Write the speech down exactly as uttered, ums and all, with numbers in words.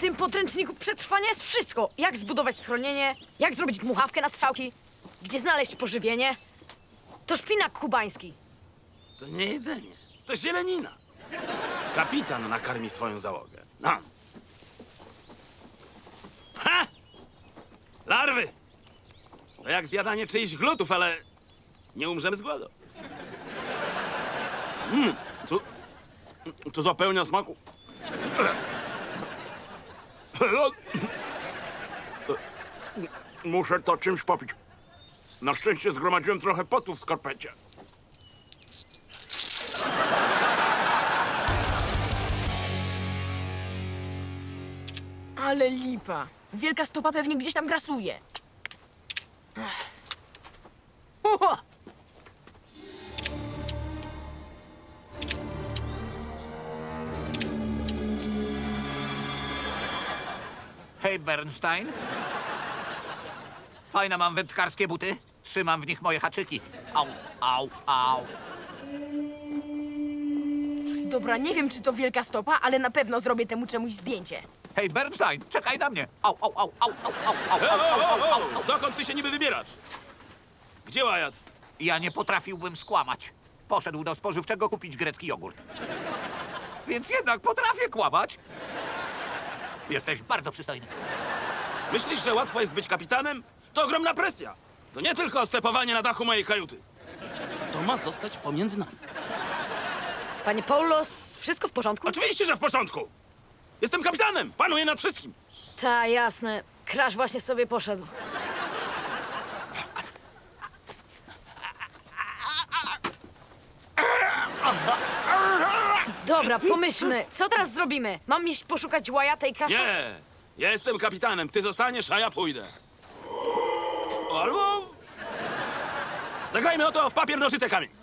tym podręczniku przetrwania jest wszystko. Jak zbudować schronienie, jak zrobić dmuchawkę na strzałki, gdzie znaleźć pożywienie. To szpinak kubański. To nie jedzenie, to zielenina. Kapitan nakarmi swoją załogę. No. Ha! Larwy! To jak zjadanie czyichś glutów, ale nie umrzemy z głodu. Mmm, to, to zapełnia smaku. Muszę to czymś popić. Na szczęście zgromadziłem trochę potu w skarpecie. Ale lipa. Wielka stopa pewnie gdzieś tam grasuje. Uho! Hej, Bernstein. Fajne mam wędkarskie buty. Trzymam w nich moje haczyki. Au, au, au. Dobra, nie wiem, czy to wielka stopa, ale na pewno zrobię temu czemuś zdjęcie. Hej, Bernstein, czekaj na mnie. Au, au, au, au, au, au, au, O, au, o, au, o, au, o, au. dokąd ty się niby wybierasz? Gdzie Wyatt? Ja nie potrafiłbym skłamać. Poszedł do spożywczego kupić grecki jogurt. Więc jednak potrafię kłamać. Jesteś bardzo przystojny. Myślisz, że łatwo jest być kapitanem? To ogromna presja. To nie tylko stepowanie na dachu mojej kajuty. To ma zostać pomiędzy nami. Panie Paulos, wszystko w porządku? Oczywiście, że w porządku. Jestem kapitanem, panuję nad wszystkim. Ta, jasne. Crash właśnie sobie poszedł. Dobra, pomyślmy. Co teraz zrobimy? Mam iść poszukać Wyatta i Crasha? Nie, ja jestem kapitanem, ty zostaniesz, a ja pójdę. Albo... Zagrajmy o to w papier, nożyce, kamień.